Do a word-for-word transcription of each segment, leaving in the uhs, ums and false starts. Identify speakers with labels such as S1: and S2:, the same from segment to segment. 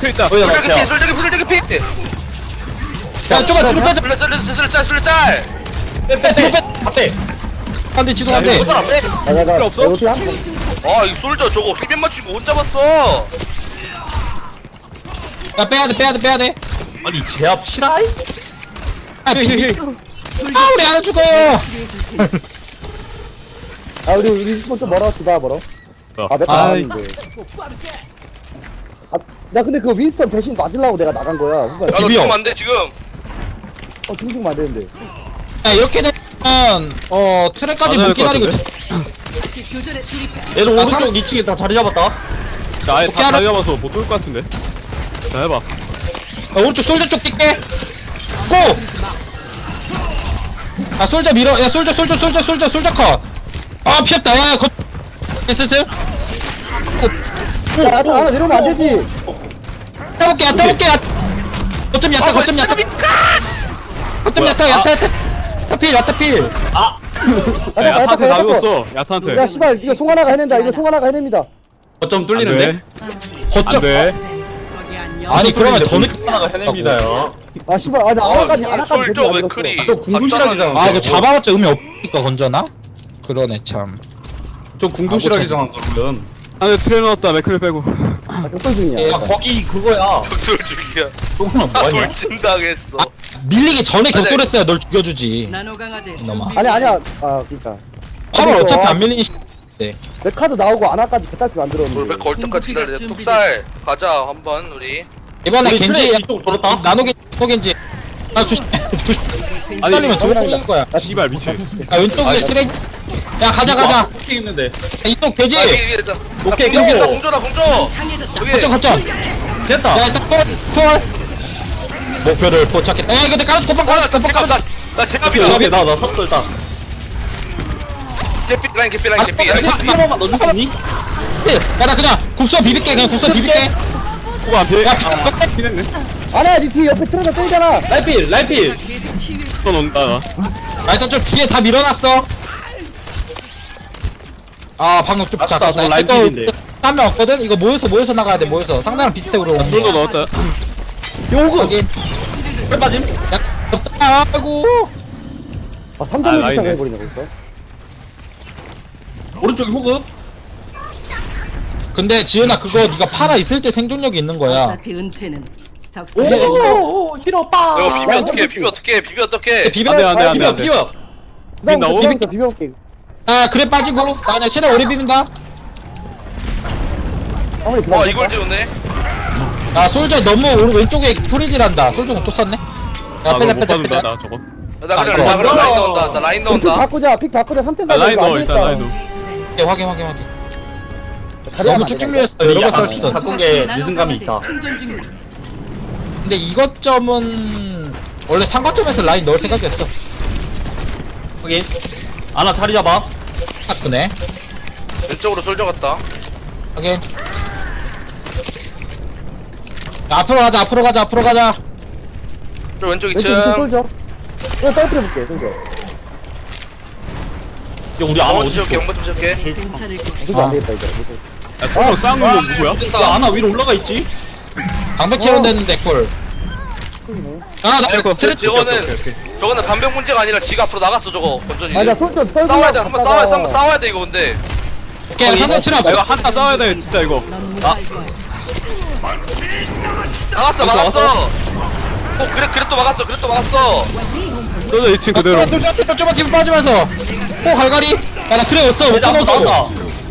S1: 맥클 있다.
S2: 거기다
S3: 솔직히 피
S2: 넣자.
S3: 솔직히 피 솔직히 피
S4: 야 좀만 뒤로 빼자.
S3: 술래 술래 술래 짤 술래 짤
S2: 빼빼 빼. 앞에.
S4: 안돼 지도 안돼.
S2: 그 사람 빼.
S5: 야 내가
S1: 필요 없어?
S5: 어떻게 한
S3: 아 이 솔저 저거 힐맨 맞추고 혼자 봤어
S4: 야 빼야돼 빼야돼 빼야돼.
S2: 아니 제압 실화이?
S4: 아 비비. 아 우리 하나 죽어.
S5: 아 우리 우리 스폰서 멀어 주다 멀어.
S1: 어.
S5: 아 내가
S1: 아이.
S5: 나갔는데. 아나 근데 그 윈스턴 대신 맞으려고 내가 나간 거야. 후반에.
S3: 야너
S4: 비벼.
S3: 지금 안돼 지금
S5: 어 지금 지금 안 되는데.
S4: 야 이렇게 되면 어 트랙까지
S1: 맞아야
S4: 못
S1: 될것
S4: 기다리고.
S1: 같은데?
S2: 얘들
S4: 아,
S2: 오른쪽
S4: 상-
S2: 이 층에 다 자리 잡았다.
S1: 나 아예
S4: 오케이,
S1: 다
S4: 하나-
S1: 자리 잡아서 못 뚫을 것 같은데. 자 해봐.
S4: 야, 오른쪽 솔저 쪽 뛸게. 고! 아 솔저 밀어. 야 솔저 솔저 솔저 솔저 솔저 컷. 아 피했다. 야 거. 슬슬.
S5: 야 하나 하나 내려오면 안 되지.
S4: 따볼게 야 따볼게 야. 거점 야타 거점 야타. 거점 야타 야타 야타. 야타필 야타필.
S2: 아.
S5: 야,
S1: 야, 야타한테 다 죽었어. 야타한테.
S5: 야 씨발 이거 송하나가 해낸다. 이거 송하나가 해냅니다.
S2: 거점
S1: 안
S2: 뚫리는데?
S1: 돼.
S4: 거점.
S1: 안 돼.
S4: 아니 그러면 더 늦게.
S2: 하나가 해냅니다요.
S5: 아 씨발 아나 아나까지 아나까지
S3: 솔저
S5: 데리고 안
S3: 맥클이
S5: 들었어.
S2: 저 궁금실하기잖아.
S4: 아 이거 잡아봤자 의미 없으니까 건져나? 그러네 참.
S2: 저 궁금실하게 정한 거거든.
S1: 안에 트레 넣었다. 맥클을 빼고.
S5: 아 격돌 중이야.
S2: 아 거기 그거야.
S3: 격돌 중이야
S2: 똥은
S3: 아
S2: 뭐하냐?
S3: 돌진당했어
S4: 밀리기 전에 격돌했어야 널 죽여주지. 이놈아.
S5: 아니 아니야. 아 그니까.
S4: 팔월
S5: 아니,
S4: 어차피
S5: 이거
S4: 안 밀리니. 네.
S5: 내 카드 나오고 아나까지 개딸피 만들었는데.
S3: 돌백 걸 때까지 기다려 뚝살 가자 한번 우리
S4: 이번에
S2: 우리
S4: 겐지
S2: 트레이 이쪽 돌았다.
S4: 나노 겐지 나노 겐지. 아 조심.
S1: 아니,
S4: 살리면 돌 뚫릴 거야.
S5: 아,
S1: 씨발 미친.
S4: 야 왼쪽에 트레이. 야 가자 가자.
S2: 어떻게 있는데?
S4: 야, 이쪽 돼지.
S3: 아 위에 위에 됐다
S2: 오케이,
S3: 공조
S2: 끊겨.
S3: 공조다 공조 여기
S4: 거점 거점.
S2: 됐다.
S4: 야 일단 콜 콜. 목표를 포착했다. 야 근데 깔아줘 고빵 깔아줘
S3: 나
S4: 고빵
S3: 제압
S4: 깔아줘.
S3: 나 제압이야
S2: 오케이 나나 섰어 일단.
S3: 개피 라인 개피 라인 개피 라인 개피
S2: 한 번만 넣어줄 수 있니?
S4: 야나 그냥 국수 비빌게 그냥 국수 비빌게.
S1: 후보 안 돼.
S4: 야
S1: 피했네.
S5: 아나 니 뒤에 옆에 트레가 때리잖아.
S2: 라이필 라이필.
S1: 또 넣는다.
S4: 아 일단 좀 뒤에 다 밀어놨어. 아 방금 좀
S2: 아쉽다,
S4: 잠깐
S2: 저 라인 필인데.
S4: 한명 없거든. 이거 모여서 모여서 나가야 돼. 모여서 상대랑 비슷해 우리.
S1: 뚫도 넣었다.
S4: 요거 여기.
S2: 빼 빠짐.
S4: 야 아이고.
S5: 아 삼 점을
S1: 아, 라인네.
S5: 도착해 버리네 거기서.
S2: 오른쪽에 호급.
S4: 근데 지은아 그거 네가 팔아 있을 때 생존력이 있는 거야.
S6: 어차피 은퇴는
S4: 오,
S6: 적성.
S2: 오 싫어 빠.
S3: 이거 비벼
S5: 야,
S3: 어떡해 비벼 어떡해 비벼 어떡해
S4: 비벼.
S1: 안 돼, 안 돼, 안 돼,
S2: 비벼
S1: 안 돼.
S2: 비벼.
S5: 그다음
S1: 나오?
S5: 비벼서 비벼볼게.
S4: 아 그래 빠지고. 나 그냥 최대 오래 비빈다.
S5: 아무리
S3: 와
S5: 들어가.
S3: 이걸 지웠네
S4: 아 솔저 너무 오른 왼쪽에 프리딜한다. 솔저는 또 썼네. 야
S1: 아,
S4: 빼자
S1: 너못
S4: 빼자
S1: 받는다.
S4: 빼자.
S1: 나 저거.
S3: 나 그래
S4: 아,
S3: 나 그래
S2: 이거.
S3: 라인 넣은다 나 라인
S5: 픽
S3: 넣은다
S5: 바꾸자. 픽 바꾸자. 삼 점
S1: 아,
S5: 가자.
S1: 라인
S5: 이거 안
S1: 넣어 일단
S5: 되겠다.
S1: 라인 넣어.
S4: 예, 확인 확인 확인. 너무 쭉쭉 밀렸어. 이런 거 썰 수 있어.
S2: 바꾼 게 늦은 감이 있다.
S4: 근데 이것 점은 원래 상관점에서 라인 넣을 생각이었어.
S2: 확인. 아나 자리 잡아.
S4: 바꾸네.
S3: 왼쪽으로 솔져 갔다.
S4: 확인. 야, 앞으로 가자. 앞으로 가자. 앞으로 가자.
S3: 저 왼쪽
S5: 왼쪽
S3: 이층.
S5: 이층 쏠져. 이거 떨어뜨려 볼게, 쏠져.
S2: 야 우리 아나
S3: 영어
S2: 어디
S3: 좀
S2: 있어?
S3: 지울게. 영어 좀 지울게.
S5: 이거 안 되겠다, 이거.
S1: 야 서로 싸우는 거 누구야?
S2: 야 아나 위로 올라가 있지?
S4: 방백 채운 됐는데 콜. 아, 나
S3: 아니,
S4: 이거
S3: 저,
S4: 트레
S3: 저거는 저거는 반병 문제가 아니라 지가 앞으로 나갔어 저거 건전이.
S5: 아, 나 쏠져, 떨어뜨려.
S3: 싸워야 돼. 한번 싸워야 돼. 한번 싸워야 돼 이거 근데.
S4: 오케이, 상대 트레
S1: 야, 이거
S4: 없어.
S1: 한타 싸워야 돼 진짜 이거.
S3: 나갔어 막았어. 어 그래 그래 또 막았어. 그래 또 막았어.
S1: 쏘자 이 층 그대로.
S4: 쫄쫄 쫄쫄 쫄쫄 뒤로 빠지면서. 호 갈갈이. 야, 나 트레 없어. 못
S2: 대장
S4: 끊었어.
S2: 나왔다.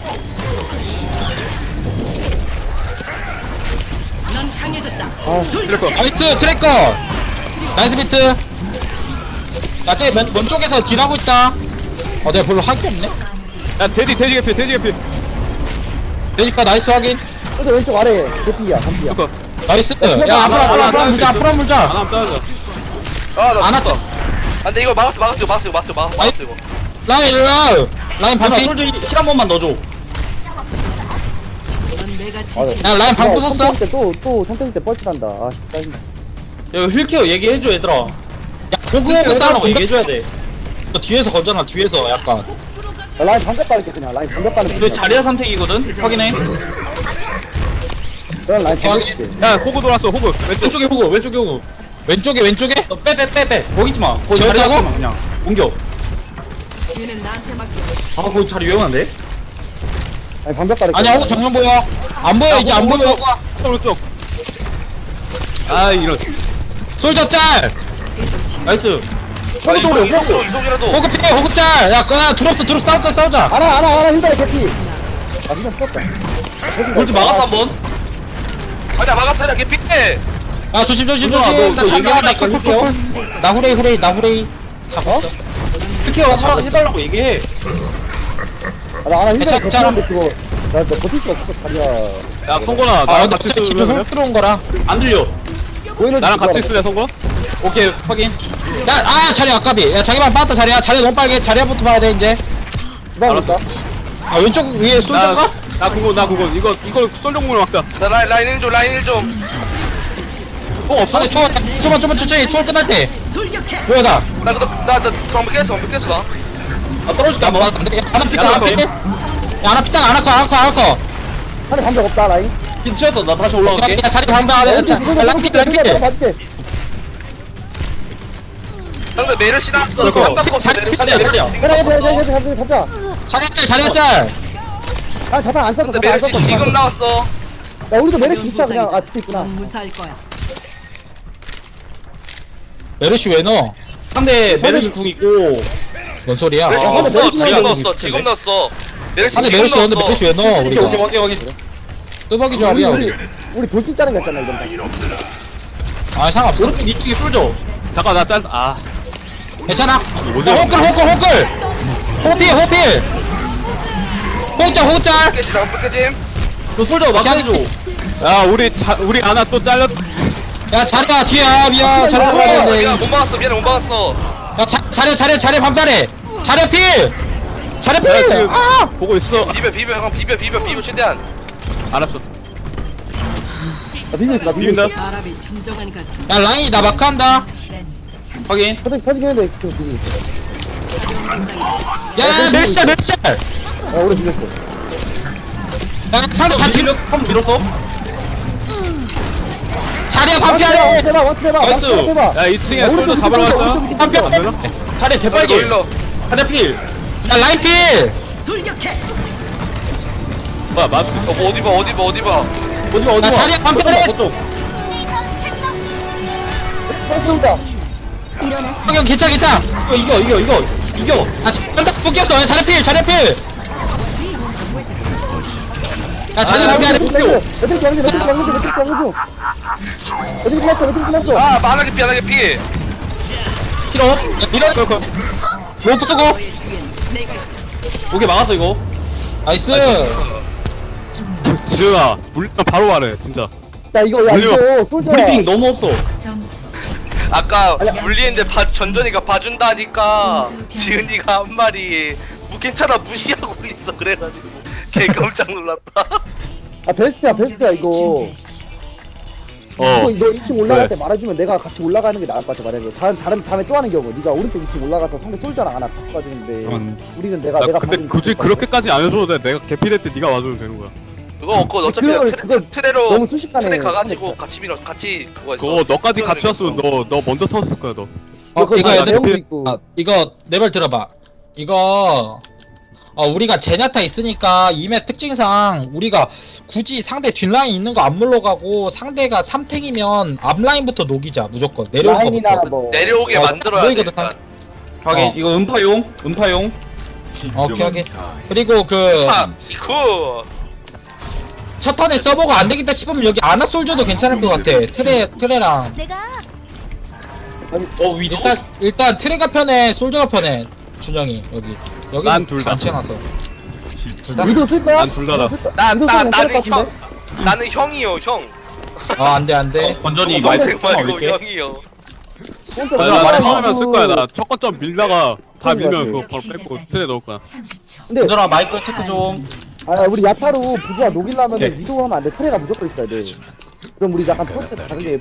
S4: 나이스 트래커. 나이스 비트. 나 저기 왼, 왼쪽에서 딜하고 있다. 어, 내가 별로 할 게 없네.
S1: 야 돼지 돼지 개피 돼지 개피.
S4: 되니까 나이스 확인.
S5: 쏠져, 왼쪽 아래. 개피야, 한피야.
S1: 이거
S4: 나이스. 야, 앞으로 앞으로 앞으로 물자. 앞으로 물자.
S1: 하나 따자.
S3: 아나
S4: 안
S3: 죽었다.
S4: 왔죠?
S3: 아 근데 이거 막았어 막았어 이거 막았어 이거 막았어 막았어 막았어 이거.
S4: 라인 라인. 라인
S2: 아나
S4: 반피.
S2: 솔직히 힐한 번만 넣어줘.
S5: 아, 나
S4: 야, 라인 방 부쉈어.
S5: 선택일 때 또, 또 선택일 때 뻘짓한다. 아, 짜증나.
S2: 야 이거 힐케어 얘기해줘 얘들아.
S4: 야, 호그 호그
S2: 힐케어
S4: 싸움
S2: 싸우고 얘기해줘야 돼.
S4: 뒤에서 건져놔. 뒤에서 약간.
S5: 야, 라인 반격 빠를게, 그냥. 라인 반격 빠는
S2: 이거 자리야 선택이거든. 확인해.
S5: 넌 라인 반격 줄게.
S1: 야 호구 돌았어 호구. 왼쪽.
S2: 왼쪽에 호구 왼쪽에 호구.
S4: 왼쪽에 왼쪽에.
S2: 빼 빼 빼 빼. 거기 있지 마. 거기 자리
S4: 저기다고?
S2: 잡지 마 그냥. 옮겨. 아 거기 자리 위험한데?
S5: 아니, 반격 빠를게.
S4: 아니야, 호그 정면 보여. 안 보여 이제 안 보여.
S1: 오른쪽. 아 이런.
S4: 솔저 짤.
S2: 나이스.
S3: 아, 이속 이속 이속이라도.
S4: 호그 피해 호그 짤. 야, 그 드롭스 드롭 싸우자 싸우자.
S5: 알아, 알아, 알아, 힐다리 개피. 아, 진짜 죽었다.
S2: 골드 막았어 한번.
S3: 아니야 막았어 그냥 개피해.
S4: 야, 조심 조심
S2: 누나,
S4: 조심.
S2: 너
S4: 나 잠깐만 나
S2: 얘기하니까
S4: 콜콜콜. 나 후레이 후레이 나 후레이.
S5: 어?
S2: 힐케어 하라 해달라고 얘기해.
S5: 아, 나 알아, 힐다리
S4: 괜찮아.
S5: 개피인데 그거. 나, 나 버틸 수가 없어, 다리야.
S1: 야 성곤아
S4: 아,
S1: 나랑
S4: 근데
S1: 같이
S4: 진짜 기분
S1: 쓰면
S4: 훅 들어온 거라.
S2: 안 들려.
S5: 보이는
S1: 나랑
S5: 줄
S1: 같이
S5: 알아.
S1: 쓸래 성곤?
S2: 오케이 확인.
S4: 야, 아, 자리 아까비. 야, 자기만 빠졌다 자리야. 자리 너무 빨개. 자리야부터 봐야 돼 이제.
S5: 기다렸다.
S4: 아, 왼쪽 위에 솔저가?
S1: 나나 그거 나 그거 이거 이거 쏠종물 막자.
S3: 나 라인 라인 일 좀 라인 일 좀.
S4: 어, 없어. 초월, 좀만 좀만 천천히. 초월 끝날 때. 뭐야 나?
S3: 나 그거 나나 방금 깼어 방금 깼어 나.
S2: 아 떨어질게
S4: 야,
S2: 한번.
S4: 뭐, 하나 피딱,
S1: 야,
S4: 하나 피. 야, 하나 피딱, 하나 커, 하나 커, 하나 커.
S5: 하늘 반격 없다, 라인.
S2: 힐 치웠어. 나 다시 올라갈게.
S4: 야, 자리 방방 안 해. 자, 랑피, 랑피.
S5: 봐줄게.
S3: 상대 메르시 나왔어.
S1: 그거.
S3: 한 바꿔
S4: 자리,
S3: 메르시
S2: 자리야,
S3: 메르시.
S2: 자리야.
S5: 해라, 해라, 해라, 해라, 해라, 잡자.
S4: 자리 짤, 자리 짤.
S5: 아, 자탄 안 썼어,
S3: 상대
S5: 자탄 안
S3: 메르시
S5: 썼어.
S3: 지금 나왔어.
S5: 야, 우리도 메르시 있자, 그냥. 아, 붙어 있구나.
S6: 무사할 거야.
S4: 메르시 왜 넣어?
S2: 상대 메르시 궁 있고.
S4: 뭔 소리야?
S3: 메르시
S4: 어.
S5: 근데
S3: 넣었어.
S5: 메르시
S3: 지금
S5: 나오는
S3: 넣었어. 지금 넣었어. 메르시
S4: 아니,
S3: 지금
S4: 메르시 넣었는데
S3: 넣었어.
S4: 메르시 왜 넣어?
S2: 오케이 오케이
S4: 우리가.
S2: 확인 확인.
S4: 뚜벅이
S5: 우리,
S4: 조합이야,
S5: 우리,
S4: 우리.
S5: 우리 돌진 짜는 거 있잖아, 이건.
S4: 아, 상관없어.
S2: 오른쪽 이쪽에 쏠져.
S1: 잠깐 나 짠. 아
S4: 괜찮아.
S1: 뭐지?
S4: 야, 호클, 호클, 호클. 호필, 호필. 호짤, 호짤.
S3: 깨지 나 깨짐.
S2: 너 쏠져 막아줘.
S1: 야 우리 자 우리 아나 또 잘렸.
S4: 야, 자리야, 뒤에. 아, 미안. 자리
S3: 어,
S4: 들어가야 돼.
S3: 미안 못 막았어 미안해 못 막았어.
S4: 야, 자, 자리, 자리, 자리 반발해. 자리 필. 자리
S1: 야
S4: 필.
S1: 지금
S4: 아.
S1: 보고 있어.
S3: 비벼 비벼 형 비벼 비벼 비벼 최대한.
S1: 알았어.
S5: 나 비밀 있어, 나 비밀 있어.
S1: 비빈다.
S6: 바람이 진정한 같은
S4: 야, 라인이 나 마크한다.
S2: 확인.
S5: 터지, 터지긴 했는데, 그 비밀.
S4: 야, 멸시짤, 멸시짤.
S5: 야, 오래 비밀했어.
S4: 야, 상대 다 뒤로.
S2: 한번 밀었어.
S4: 자리야,
S5: 원치
S4: 반피하려.
S5: 해봐, 원치 해봐, 원치
S2: 나이스.
S5: 해봐.
S1: 야 이 층에 솔도 잡으러 갔어.
S4: 반피.
S1: 안 되나?
S2: 자리
S3: 일로
S2: 개빨개.
S3: 일로.
S2: 자리 필.
S4: 야, 라인 필.
S6: 돌격해.
S1: 뭐야 맞.
S3: 어, 뭐 어디 봐 어디 봐 어디 봐.
S2: 어디 봐 어디
S4: 야,
S2: 봐.
S4: 자리야, 반피 그래.
S2: 저쪽.
S5: 쏜다.
S4: 성형 괜찮아, 괜찮아.
S2: 이거 이거 이거 이거.
S4: 아, 잠깐 묶였어. 야, 자리 필, 자리 필. 야, 자리
S2: 아,
S4: 반피하려.
S5: 매트릭스 왕중, 매트릭스 왕중, 매트릭스 왕중. 매트릭스 끝났어, 매트릭스 끝났어.
S3: 아 만하게 피 하나게 피.
S2: 힐업.
S4: 이런 거. 로프 쓰고.
S2: 오케이 막았어 이거.
S4: 나이스.
S1: 지은아 물리면 바로 말해 진짜.
S5: 야 이거 야
S1: 올려.
S5: 이거 솔저야.
S2: 브리핑 너무 없어.
S6: 점수
S3: 아까 물리는데 봐 전전이가 봐준다니까 지은이가 한 말이 뭐 괜찮아 무시하고 있어 그래가지고 개 깜짝 놀랐다.
S5: 아 베스트야 베스트야 이거.
S1: 어.
S5: 이거 너 이 층 올라갈
S1: 그래.
S5: 때 말해주면 내가 같이 올라가는 게 나을 것 같아 만약에. 다른 다른 다음에 또 하는 경우 네가 오른쪽 이 층 올라가서 상대 솔저랑 하나 바꿔주는데
S2: 음.
S5: 우리는 내가
S1: 나
S5: 내가
S1: 근데
S5: 봐주면
S1: 굳이
S5: 좋을 것 같아.
S1: 그렇게까지 안 해줘도 돼. 내가 개필할 때 네가 와주면 되는 거야.
S3: 그거 그거 어차피
S5: 그거-
S3: 트레,
S5: 그거
S3: 트레로
S5: 너무 순식간에
S3: 트레 가가지고
S5: 하니까.
S3: 같이 밀어 같이 그거 했어.
S1: 그거 너까지 같이
S3: 했어.
S1: 왔으면 너 너 먼저 터졌을 거야 너.
S4: 어
S5: 그거
S4: 이거
S5: 다
S4: 얘들
S5: 내용도 있고.
S4: 아, 이거 내 말 들어봐. 이거 어 우리가 제냐타 있으니까 이맵 특징상 우리가 굳이 상대 뒷라인 있는 거 안 물러가고 상대가 삼 탱이면 앞라인부터 녹이자 무조건 내려올
S5: 라인이나
S4: 거부터.
S5: 뭐
S3: 내려오게
S4: 어,
S3: 만들어야 돼.
S4: 보이거든,
S3: 일단.
S2: 확인.
S4: 어.
S2: 이거 음파용. 음파용.
S4: 오케이 오케이. 그리고 그
S3: 파 이쿠.
S4: 첫 턴에 서버가 안 되겠다 싶으면 여기 아나 솔저도 괜찮을 것 같아. 트레 트레랑
S2: 어 위도.
S4: 일단 일단 트레가 편해 솔저가 편해 준영이 여기 여기
S1: 난둘 다.
S4: 괜찮아서 둘 다.
S5: 위도 쓸 거야?
S1: 난 둘 다다.
S3: 나,
S5: 위도
S3: 나,
S5: 쓰면
S3: 나는
S5: 괜찮을 것
S3: 형,
S5: 같은데?
S3: 나는 형이요, 형.
S4: 어 안돼 안돼.
S2: 건전이
S3: 동생
S2: 말씀
S3: 말고
S2: 올릴게.
S3: 형이요.
S5: 혼자
S1: 나
S2: 맞아,
S1: 나
S2: 맞아.
S1: 처음에 쓸 거야. 나 첫 거점 밀다가 다
S5: 맞아.
S1: 밀면 그거 바로 빼고 트레 넣을 거야.
S6: 삼십 초.
S5: 근데
S2: 건전아 마이크 체크 좀.
S5: 아 우리 야타로 부조화 녹이려면
S2: 네.
S5: 위도 하면 안 돼. 트레가 무조건 있어야 돼. 그럼 우리 약간 프로젝트 다른 게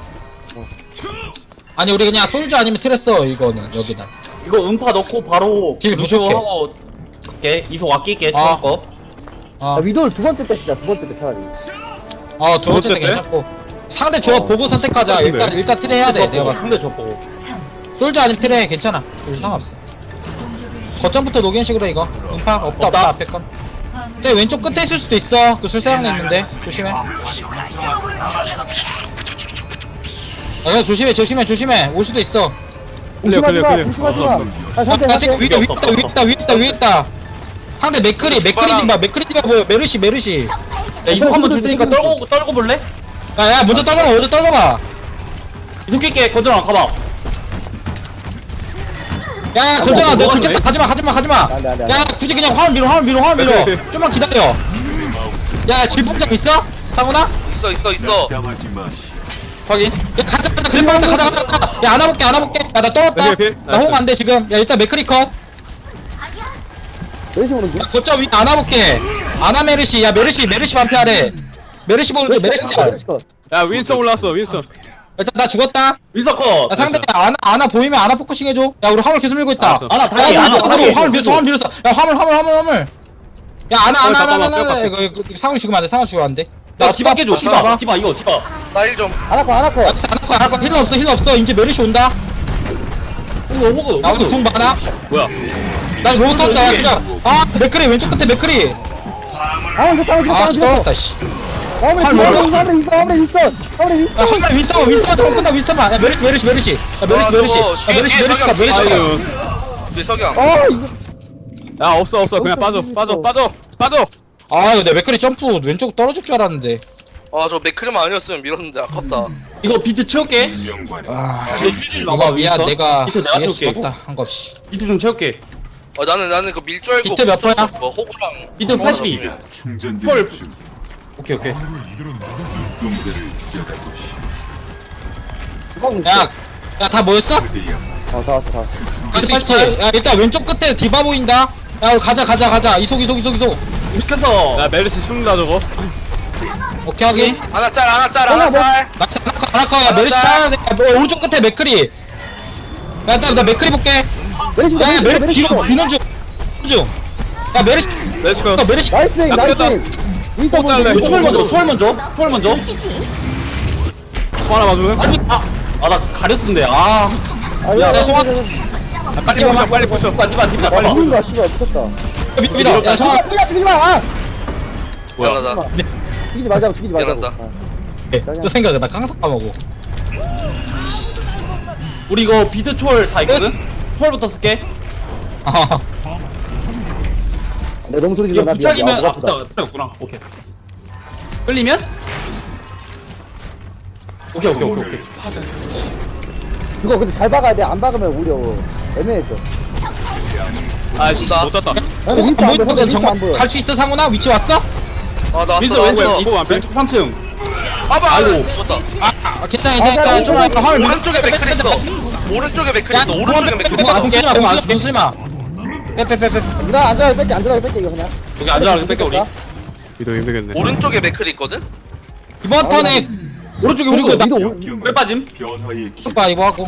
S4: 아니 우리 그냥 솔저 아니면 트레 써 이거는 여기는.
S2: 이거 음파 넣고 바로
S4: 길 부족해.
S2: 하고 갈게. 이속 아낄게.
S4: 아.
S2: 처음 거.
S4: 어.
S5: 아, 위도를 두 번째 때 쓰자. 두 번째 때 차라리.
S4: 어, 두
S1: 두
S4: 번째
S1: 번째
S4: 때
S1: 때?
S4: 괜찮고. 상대 조합
S5: 어.
S4: 보고 선택하자.
S1: 똑같은데?
S4: 일단, 일단 트레 해야 돼. 내가 봤을
S2: 상대 줬고.
S4: 때. 솔저 아니면 트레 괜찮아. 둘 상관없어. 거점부터 녹이는 식으로 이거. 음파? 없다, 없다,
S2: 없다.
S4: 앞에 건. 근데 왼쪽 끝에 있을 수도 있어. 그 술사장님 있는데. 조심해. 아, 그냥 조심해, 조심해, 조심해. 올 수도 있어.
S5: 조심하지
S1: 클리어,
S5: 마.
S1: 클리어.
S5: 조심하지
S1: 어,
S5: 마.
S1: 어, 어.
S5: 아,
S4: 아,
S5: 상대
S4: 나 지금
S5: 상대.
S4: 위에 있다, 위에 있다, 위에 있다, 위에 있다. 상대 맥크리, 맥크리 좀 봐. 맥크리 좀 봐. 보여. 메르시, 메르시.
S2: 야 이속 한번 줄 테니까 떨고 떨고 볼래?
S4: 야, 야, 먼저 떨어봐, 먼저 떨어봐.
S2: 이속 낄게. 건전아 가봐.
S4: 야, 야, 걸잖아. 너
S2: 뭐가
S4: 그렇게
S2: 그래?
S4: 가지마, 가지마, 가지마.
S5: 안 돼, 안 돼, 안 돼.
S4: 야, 굳이 그냥 화면 밀어, 화면 밀어, 화면 밀어.
S1: 오케이, 오케이.
S4: 좀만 기다려. 야, 질풍장 있어? 상훈아?
S3: 있어, 있어, 있어.
S2: 확인.
S4: 야, 가자, 가자, 그래, 가자, 가자, 가자, 가자. 야, 안아볼게, 안아볼게. 야, 나 떨었다.
S1: 오케이, 오케이.
S4: 나 호응 안 돼, 지금. 야, 일단 맥크리 컷. 야,
S5: 메르시 오는 중.
S4: 거점 위 안아볼게. 아나 메르시. 야, 메르시, 메르시 반피하래. 메르시 보는 중, 메르시 잘.
S5: 메르시 거.
S1: 야 윈선 올라왔어 윈선.
S4: 일단 나 죽었다.
S2: 윈서커.
S4: 야, 상대 아나, 아나 보이면 아나 포커싱 해줘. 야, 우리 화물 계속 밀고 있다.
S1: 알았어.
S2: 아나
S4: 야,
S2: 다행히
S4: 화물
S2: 아나
S4: 밀었어,
S2: 다행히.
S4: 화물 밀었어, 화물 밀었어. 야, 화물, 화물, 화물, 화물. 야, 아나, 아나, 아나,
S1: 잠깐만,
S4: 아나, 아나.
S1: 잠깐만.
S4: 이거, 이거, 상훈 죽으면 안 돼, 상훈 죽으면 안 돼.
S2: 야 디바 깨줘. 디바.
S4: 디바.
S2: 디바 이거 디바.
S3: 나일 좀.
S5: 안아커 안아커.
S4: 야, 진짜 안 할 거야, 안 할 거야. 힐러 없어, 힐러 없어. 이제 메르시 온다.
S2: 호그 호그.
S4: 나 오늘 궁 많아.
S1: 뭐야?
S4: 나 로봇 턴다, 야, 그냥. 아, 맥크리, 왼쪽 끝에 맥크리.
S5: 아 이거 싸우지
S4: 아,
S5: 싸우지.
S4: 죽었다, 씨.
S5: 화물에
S4: 아,
S5: 있어.
S4: 몰라.
S5: 화물에 있어. 화물에 있어. 화물에 있어.
S4: 야, 한발 윈스턴, 윈스턴 좀 끝나, 윈스턴만. 야, 메르시, 메르시, 메르시. 야, 메르시,
S3: 아,
S4: 메르시.
S3: 저거
S4: 야, 메르시,
S3: 뒤에
S4: 메르시,
S3: 석양,
S4: 메르시.
S3: 뒤에
S1: 아유.
S3: 우리 석양.
S5: 아 이거.
S1: 야 없어 없어 그냥 빠져 빠져 빠져 빠져.
S4: 아, 이거 내 맥크리 점프 왼쪽 떨어질 줄 알았는데.
S3: 아, 저 맥크리만 아니었으면 밀었는데 아깝다.
S2: 이거 비트 채울게.
S4: 아,
S2: 비트
S4: 이거 미안, 내가
S2: 비트 내가
S4: 이길 수
S2: 채울게.
S4: 없다, 한 거 없이.
S2: 비트 좀 채울게.
S3: 어, 나는 나는 그 밀 줄 알고.
S4: 비트 몇 번이야?
S3: 뭐 호구랑.
S2: 비트 팔십이. 헐. 오케이 오케이.
S5: 주방 있어.
S4: 야, 야, 다 모였어?
S5: 어, 다 왔어, 다 왔어.
S4: 갈수 있지? 야, 일단 왼쪽 끝에 디바 보인다. 야, 우리 가자, 가자, 가자. 이속, 이속, 이속, 이속.
S2: 이렇게 해서
S1: 야 메르시 숨다 저거.
S4: 오케이, 하긴.
S3: 하나 짤, 하나 짤,
S5: 하나
S3: 하나 짤.
S4: 나이스, 하나커, 야, 메르시 찾아야 돼. 야, 뭐, 오른쪽 끝에 맥크리. 야, 일단 나 맥크리 볼게.
S5: 메르시
S4: 야, 야,
S5: 메르시
S4: 메르시
S5: 메르시
S4: 뒤로 비는 중. 중. 야, 메르시.
S1: 메르시 거.
S4: 야, 메르시.
S5: 나이스
S1: 야,
S5: 나이스.
S1: 뺐다.
S5: 윈스턴
S1: 또 잘래.
S5: 먼저,
S2: 초월 먼저. 초월 먼저. 초월 먼저.
S1: 소 하나 맞으면.
S2: 아니 아. 아 나 가렸는데. 아.
S5: 아,
S4: 야,
S5: 야,
S4: 나 송아-
S1: 야, 빨리 부셔 빨리 부셔.
S2: 디바 디바 디바
S5: 아,
S2: 디바.
S5: 누군가 씨발 미쳤다.
S4: 미- 믿어. 야, 성아.
S5: 아, 죽이지 죽이지 마. 아,
S1: 뭐야?
S3: 미안하다.
S5: 죽이지 말자고 죽이지 말자고.
S3: 미안하다.
S5: 아.
S4: 또 생각해. 나 항상 까먹어.
S2: 우리 이거 비트 초월 다 있거든. 초월부터 쓸게.
S4: 아,
S5: 내 너무 소리
S2: 이거
S5: 질러 나 미안.
S2: 부착이면
S5: 아,
S2: 아
S5: 목 아프다.
S2: 부착 부착구나. 오케이. 끌리면? 오케이 오케이 오케이 오케이.
S5: 이거 근데 잘 박아야 돼. 안 박으면 오히려 애매해져.
S1: 아씨 못 땄다.
S5: 아, 근데 윈스턴 안 보여.
S4: 뭐,
S5: 윈스턴 안
S4: 정말
S5: 보여.
S4: 갈 수 있어, 상훈아? 위치 왔어?
S3: 아 나왔어
S2: 윈서 왼쪽
S3: 나왔어.
S1: 이거 완패?
S2: 왼쪽 삼 층.
S3: 아봐
S2: 아이고.
S3: 죽었다.
S4: 아 괜찮아 괜찮아 좀 화물
S3: 오른쪽에 맥클 있어. 오른쪽에 맥클 있어. 오른쪽에 맥클
S4: 아
S3: 있어.
S4: 무시마 무시마 무시마 빼빼빼빼
S5: 누나 안전하게 뺄게 안전하게 뺄게 이거 그냥
S2: 여기 앉아 뺄게 우리.
S1: 이도 힘들겠네.
S3: 오른쪽에 맥클 있거든.
S4: 이번 턴에
S2: 오른쪽에
S4: 그리고
S2: 호그.
S4: 나-
S5: 위도
S2: 왜 빠짐?
S4: 봐 이거 하고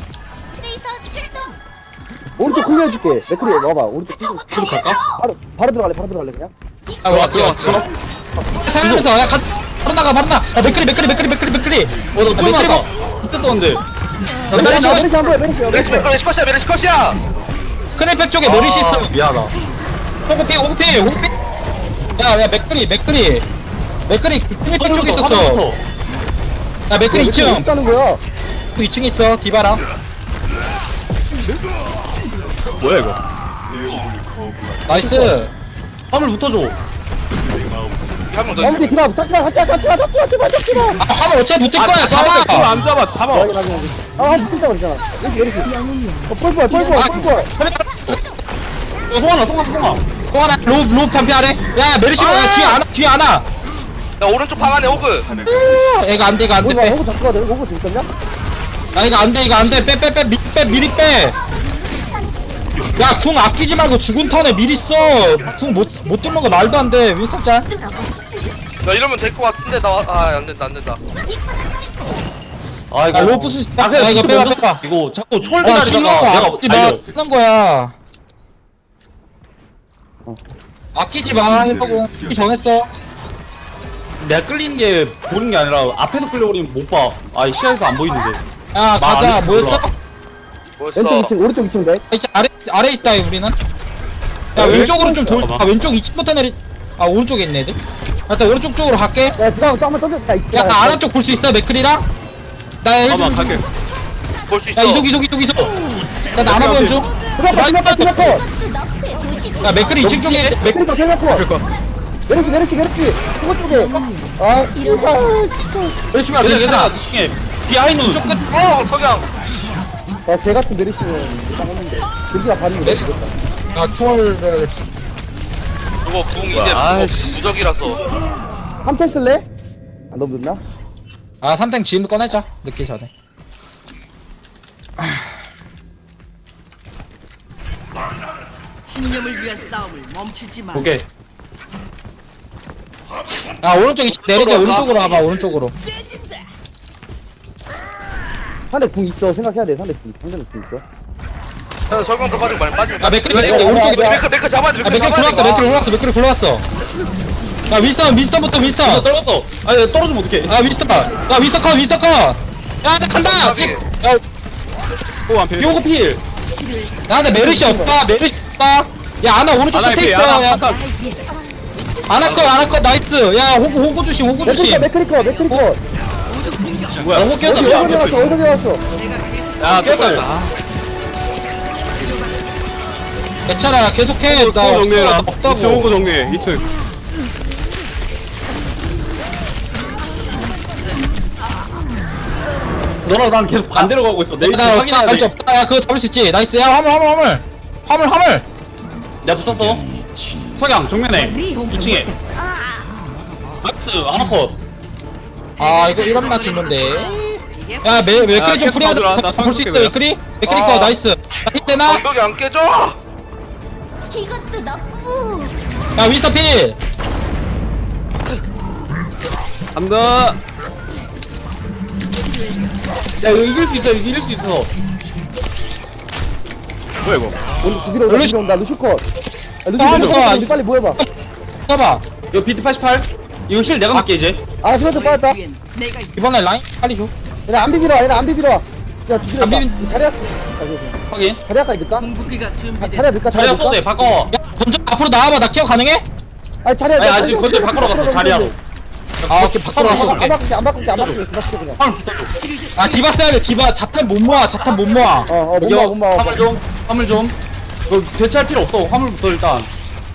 S5: 오른쪽 클리어 해줄게 맥크리 와봐 오른쪽 클리어
S2: 오른쪽 갈까?
S5: 바로 바로 들어갈래 바로 들어갈래 그냥
S4: 아 왔지 왔지 살면서 야 가, 바로 나가 바로 나가 아 맥크리 맥크리 맥크리 맥크리 맥크리
S2: 어나
S4: 아,
S2: 소리
S4: 맥크리
S2: 나다. 그때 썼는데.
S5: 메르시 메르시 한번 메르시
S3: 메르시
S5: 메르시
S3: 맥클 스컷이야 메르시 컷이야.
S4: 크레팩 쪽에 메리시 있어
S2: 미안하다.
S4: 호구피 호구피 호구피 야야 맥크리 맥크리 맥크리 크레팩 쪽에 있었어 야 맥크리 이 층
S5: 있다는 거야
S4: 이 층 있어 디바랑
S1: 뭐야 이거?
S4: 나이스
S2: 화물 붙어줘.
S3: 한 명 더.
S5: 아무튼 디바 잡지마 잡지마 잡지마 잡지마 제발 잡지마
S4: 아 화물 어차피 붙을 거야
S1: 잡아.
S4: 잡아
S1: 안 잡아. 잡아.
S5: 확인 확인 확인 아한 붙자 그랬잖아 메르시 메르시 어 뻘뻘 뻘뻘
S4: 아,
S5: 뻘뻘
S2: 야, 송하나 송하 송하.
S4: 또 하나 로브 로브 편피하래 야 메르시 야 뒤에 안와 뒤에 안와
S3: 야 오른쪽 방 안에 호그.
S4: 얘가 안돼 이거
S5: 호구 봐
S4: 안돼
S5: 호구 잡고 가야 돼 호구 들었냐?
S4: 야 이거 안돼 이거 안돼 빼 빼 빼 미리 빼 미리 빼야궁 아끼지 말고 죽은 턴에 미리 써궁못못 뚫는 거 말도 안돼 윈스턴 짤
S3: 야 이러면 될 것 같은데 나아 안된다 안된다.
S2: 아 이거.
S4: 야, 로프 수-
S2: 아 그냥
S4: 야, 이거
S2: 이거
S4: 빼봐,
S2: 빼봐
S4: 빼봐.
S2: 빼봐. 이거 자꾸 초월
S4: 야
S2: 기다리다가
S4: 힐러
S2: 내가
S4: 아끼지 마
S2: 달려.
S4: 쓰는 거야 아끼지 마 힐러공 정했어
S2: 내가 끌리는 게 보는 게 아니라 앞에서 끌려버리면 못 봐. 아 시야에서 안 보이는데.
S4: 야 가자
S2: 안
S4: 뭐였어?
S3: 뭐였어?
S5: 왼쪽 이 층 오른쪽 이 층 백
S4: 이제 아래 아래 있다 우리는 야 왼쪽으로 좀 돌. 아 왼쪽 이 층부터 내리. 아 오른쪽에 있네 애들. 일단 오른쪽 쪽으로 갈게.
S5: 야 디바 또 한번 던졌다
S4: 야 나 아래 쪽 볼 수 있어 맥클이랑. 나
S1: 잠깐만
S4: 해좀.
S1: 갈게.
S3: 볼 수 있어.
S4: 야 이속 이속 이속 이속. 나 나나 보는 중.
S5: 디바 디바 디바 컷
S4: 야 맥클이 이 층 쪽에 맥.
S5: 메르시 컷 세명 컷 메르시 메르시 메르시 호구 쪽에 아 씨발
S4: 열심히
S2: 얘들
S4: 하자.
S2: 얘들아 중에 비하인드.
S4: 쪽 끝.
S3: 어 석양.
S5: 아, 쟤 같은 메르시는 일단 했는데 메르시가 반응이
S4: 메르시.
S5: 되겠다
S4: 야 초월을.
S3: 그거 궁 이제
S1: 아이씨.
S3: 무적- 무적이라서.
S5: 한템 쓸래? 안 너무 늦나?
S4: 아 삼탱 지금 꺼내자. 늦기 전에.
S7: 신념을 위한 싸움을 멈추지 마.
S2: 오케이.
S4: 야 오른쪽 이 내리자 오른쪽으로 와봐 오른쪽으로.
S5: 상대 궁 있어 생각해야 돼 상대 궁 상대는 궁 있어
S3: 야 설광 더 빠지고 많이 빠지면.
S4: 야 맥클이
S5: 야,
S4: 맥클이
S5: 야,
S4: 오른쪽에.
S5: 야,
S3: 맥크 맥크 잡아야 돼.
S4: 야
S3: 맥크
S4: 맥클
S3: 잡아야
S4: 굴러왔다
S3: 돼.
S4: 맥클 굴러왔어 맥클 굴러왔어. 야 윈스턴 윈스턴부터
S2: 나
S4: 윈스턴.
S2: 떨궜어. 아니 떨어지면 어떡해.
S4: 야 윈스턴 야 윈스턴 컷 윈스턴 컷. 야나 간다. 찍. 야
S1: 또 완패.
S2: 비오고 필.
S4: 야, 근데 메르시 없다, 메르시 없다. 야, 아나 오른쪽
S1: 아나
S4: 끝에
S1: 피.
S4: 있어.
S1: 아나
S4: 야,
S1: 아까
S4: 아나 컷, 아나 컷, 나이스. 야, 호구, 호구 주심, 호구
S5: 메크리
S4: 주심.
S5: 컷 메크리 컷 메크리 컷
S2: 뭐야? 호뀌었다
S5: 어디
S2: 미안.
S5: 어디 왔어 어디 왔어
S1: 야
S2: 깼다.
S1: 깼다.
S4: 괜찮아, 계속해.
S1: 또
S4: 나
S1: 정리해라.
S4: 없어,
S1: 이 층
S4: 없다고.
S1: 호구 정리해. 이 층.
S2: 너랑 난 계속 반대로 가고 있어. 내 위치
S4: 나 없다,
S2: 확인해야
S4: 나이스
S2: 돼.
S4: 없다. 야, 그거 잡을 수 있지. 나이스. 야, 화물, 화물, 화물. 화물, 화물.
S2: 내가 붙었어. 석양 정면에 이 층에. 나이스 하나 컷.
S4: 아, 이거 이러면 나 죽는데. 야, 메,
S1: 야,
S4: 맥크리 좀
S1: 계속
S4: 프리하다.
S1: 봐주라. 나
S4: 볼수
S1: 상관없게
S4: 있어,
S1: 그냥.
S4: 맥크리? 맥크리
S3: 아.
S4: 거, 나이스. 야, 힐 되나?
S3: 방벽이 안 깨져.
S8: 이것도 나쁘.
S4: 야, 윈스턴 필.
S1: 간다.
S2: 야 이거 이길 수 있어. 이거 이길 수 있어.
S1: 뭐야 이거?
S5: 오늘 두비로 온다 두비로 온다 루슈 컷 야, 루슈
S4: 아,
S5: 루슈
S4: 좋아.
S5: 컷 우리 빨리 모여봐
S4: 써봐.
S2: 이거 비트 팔십팔. 이거 힐 내가 맞게 이제.
S5: 아 스마트 빠졌다
S7: 뒤엔 내가 있-
S4: 이번에 라인 빨리 줘.
S5: 얘네 안 비비러 와 얘네 안 비비러 와 야, 두비로
S4: 안
S5: 온다
S4: 비빈-
S5: 자리야 아, 그래, 그래.
S2: 확인.
S5: 자리야까지 넣을까?
S7: 궁극기가
S5: 아,
S7: 준비된
S5: 자리야 넣을까?
S2: 자리야
S5: 넣을까?
S2: 써도 돼. 바꿔.
S4: 야, 먼저 앞으로 나와봐. 나 케어 가능해?
S5: 아니 자리야
S2: 아니 아직 건데 바꾸러 갔어. 자리야로.
S4: 아, 오케이, 바꾸러
S2: 서로
S4: 갔어.
S5: 안
S4: 오케이.
S5: 바꿀게 안 바꿀게 안 바꿀게 그렇게 그냥
S2: 화물 붙어줘.
S4: 아, 디바 써야 돼, 디바. 자탄 못 모아, 자탄 못 모아.
S5: 어어 못
S2: 여기
S5: 막아 못 막아
S2: 화물 좀. 화물 좀. 이거 대체할 필요 없어. 화물부터 일단.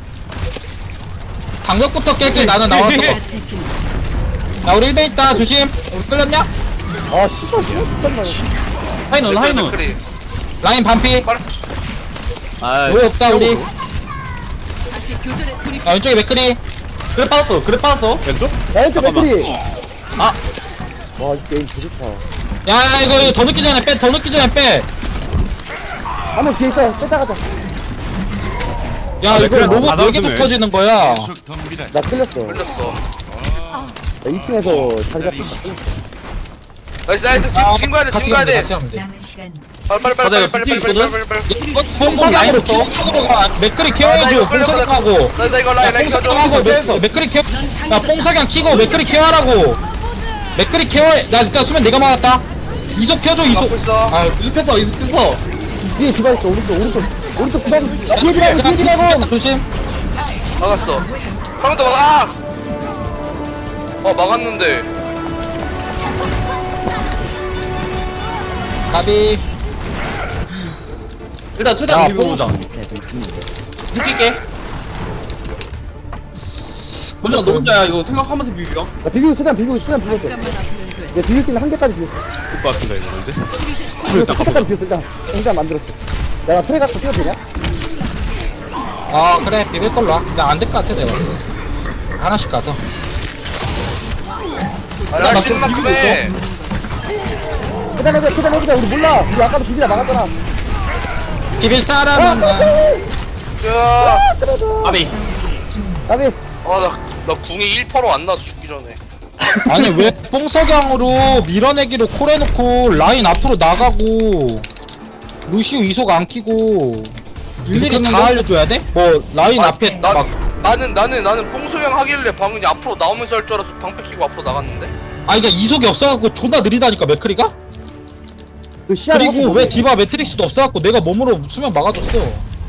S4: 방벽부터 깰게, 나는 나와서. 야, 우리 일 배 있다, 조심. 우리 끌렸냐?
S5: 아 씨발 잠깐만
S2: 하이는 하이는.
S3: 맥크리.
S4: 라인 반피.
S3: 빠르스.
S1: 아.
S4: 뭐 없다, 우리.
S7: 다시 교전에 돌입.
S4: 야, 왼쪽에 맥크리.
S2: 그래 빠졌어 그래 빠졌어
S1: 왼쪽?
S5: 야 왼쪽
S1: 잠깐만.
S5: 맥크리.
S2: 아
S5: 와이 게임 개 좋다.
S4: 야 이거 이거 더 늦기 전에 빼 더 늦기 전에 빼
S5: 한 명 뒤에 있어. 뺐다 가자.
S4: 야
S1: 아,
S4: 이거
S1: 그래,
S4: 로봇
S1: 다
S4: 네 개도
S1: 잡으네.
S4: 터지는 거야
S5: 나 끌렸어.
S3: 걸렸어.
S5: 나 이 층에서 자리 잡혔다.
S3: 나이스 나이스 지금 지금 가야 돼
S4: 같이
S3: 지금 가야
S4: 가면 돼
S3: 돼.
S4: 같이 가면 돼
S6: 남은 시간
S3: 빨리 빨리 빨리
S2: 맞아요,
S3: 빨리 빨리
S2: 비트
S3: 빨리
S2: 있거든?
S3: 빨리 빨리 빨리.
S4: 봉석양으로 기억적으로 가 맥크리 케어해줘 봉석양하고
S3: 나, 나 이거 라인 라인 켜줘.
S4: 봉석양하고 맥- 맥크리 케어 야 봉석양 키고 맥크리 케어하라고 맥크리 케어해 나 일단 수면 내가 막았다 이속 켜줘 이속
S3: 막고 있어.
S4: 아
S2: 이득했어 이득했어
S5: 뒤에 디바 있어. 오른쪽 오른쪽 오른쪽 디바. 야, 뒤에 디바 뒤에 디바고.
S4: 조심
S3: 막았어. 한 번 더 막아. 아! 어 막았는데.
S4: 나비
S2: 일단 최대한
S4: 야,
S2: 비벼보자 느낄게 먼저 너 혼자야 이거 생각하면서 비벼
S5: 나 비비고 쓰단 비비고 쓰단 비볐어. 내가 비빌 수 있는 한 개까지 비웠어.
S1: 것 같은데 이거 언제?
S5: 비웠어. 한 개까지 비웠어. 일단 일단 만들었어. 야 나 트레 갖고 뛰어도 되냐?
S4: 아 그래 비빌 걸로 와 근데 안 될 것 같아 내가 하나씩 가서
S3: 아, 할수 있는 만큼 해.
S5: 계단 해보자 계단 해보자. 우리 몰라. 우리 아까도 비비다 막았잖아.
S4: 비빌 사람은 나
S3: 야.
S2: 아비
S5: 나비.
S3: 아나나 궁이 일 퍼센트 안 나서 죽기 전에.
S4: 아니 왜 뽕석양으로 밀어내기로 콜해놓고 라인 앞으로 나가고 루시우 이속 안 키고 일일이 다 알려줘야 돼? 뭐 라인
S3: 아,
S4: 앞에
S3: 나,
S4: 막
S3: 나는 나는 나는 뽕소형 하길래 방금 앞으로 나오면서 할 줄 알아서 방패 끼고 앞으로 나갔는데.
S4: 아니 그니까 이속이 없어갖고 존나 느리다니까 맥크리가?
S5: 그 시야를
S4: 그리고
S5: 확보
S4: 왜
S5: 못해.
S4: 디바 매트릭스도 없어갖고 내가 몸으로 수면 막아줬어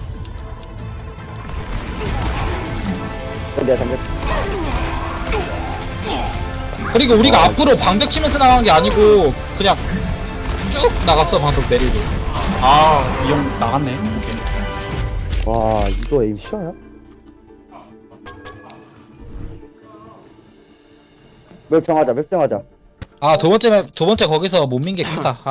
S5: 내가 잠깐.
S4: 그리고 우리가 앞으로 방벽 치면서 나간 게 아니고 그냥 쭉 나갔어 방벽 내리고
S2: 아이 형 나갔네
S5: 와 이거 에임 실화야? 몇 평하자 몇 평하자.
S4: 아 두 번째 맵- 두 번째 거기서 못 민 게 크다